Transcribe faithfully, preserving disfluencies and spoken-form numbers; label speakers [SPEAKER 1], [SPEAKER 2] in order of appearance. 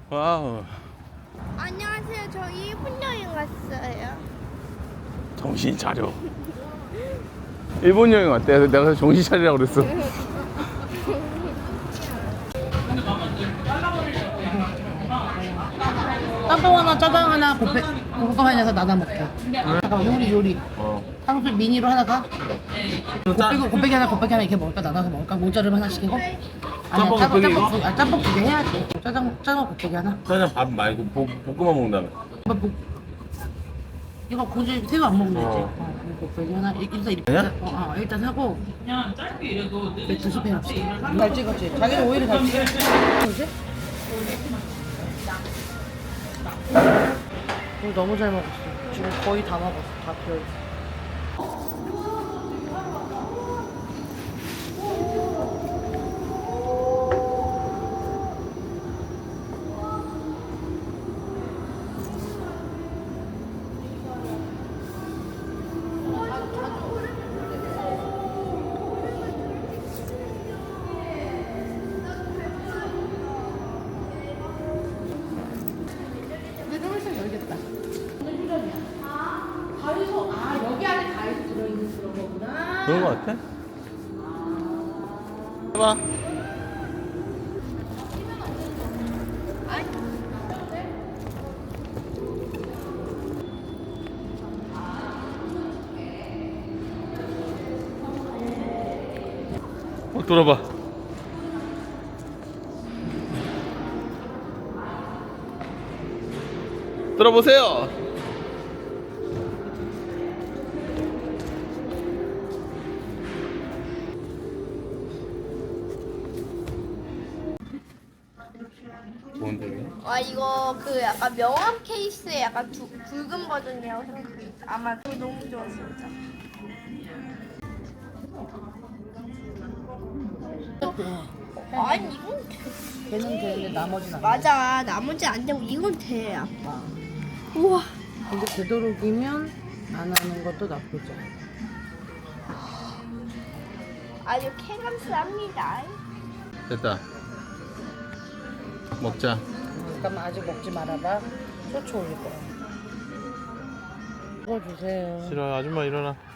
[SPEAKER 1] 와우.
[SPEAKER 2] 안녕하세요. 저 일본 여행 왔어요.
[SPEAKER 1] 정신 차려. 일본 여행 왔대. 그래서 내가 정신 차리라고 그랬어.
[SPEAKER 3] 짬뽕 하나, 짜장 하나, 볶음, 볶음밥 하나 나눠 먹게. 잠깐만, 요리, 요리.
[SPEAKER 1] 어.
[SPEAKER 3] 탕수육 미니로 하나 가? 곱빼기, 곱빼기 하나, 곱빼기 하나 이렇게 먹을까? 나눠서 먹을까? 모짜를 하나 시키고? 아니야,
[SPEAKER 1] 짬뽕,
[SPEAKER 3] 짬뽕,
[SPEAKER 1] 곱빼기
[SPEAKER 3] 짬뽕,
[SPEAKER 1] 이거?
[SPEAKER 3] 두- 아, 짬뽕 두 개 해야지. 짜장, 짜장 곱빼기 하나?
[SPEAKER 1] 짜장 밥 말고 볶, 볶음만 먹는다며.
[SPEAKER 3] 뭐, 뭐, 이거 굳이 새우 안 먹으면 되지.
[SPEAKER 1] 어.
[SPEAKER 3] 어, 이거 곱빼기 하나. 일- 일단 이렇게.
[SPEAKER 1] 그냥?
[SPEAKER 3] 어, 어, 일단 하고. 맥주 스페 합시다. 잘 찍었지? 자기는 오히려 잘 찍었지? 뭐지? 오늘 너무 잘 먹었어. 지금 거의 다 먹었어. 다 비어. 근데 좀 있으면 열겠다. 아, 가위소, 아, 여기 안에 가위소 들어있는 그런 거구나.
[SPEAKER 1] 그런 거 같아? 해봐. 어, 돌아봐. 돌아보세요. 뭔데?
[SPEAKER 2] 와 이거 그 약간 명함 케이스의 약간 두, 붉은 버전이라고 생각해요. 아마 그거 너무 좋아 진짜. 아니 이건 돼.
[SPEAKER 3] 걔는 되는데 나머지는 안 돼.
[SPEAKER 2] 맞아 나머지 안 되고 이건 돼 아빠. 우와.
[SPEAKER 3] 근데 되도록이면 안 하는 것도 나쁘지 않아.
[SPEAKER 2] 아주 쾌감스럽니다.
[SPEAKER 1] 됐다. 먹자.
[SPEAKER 3] 잠깐만 아직 먹지 말아봐. 쇼츠 올릴 거야. 이거 주세요.
[SPEAKER 1] 싫어. 아줌마 일어나.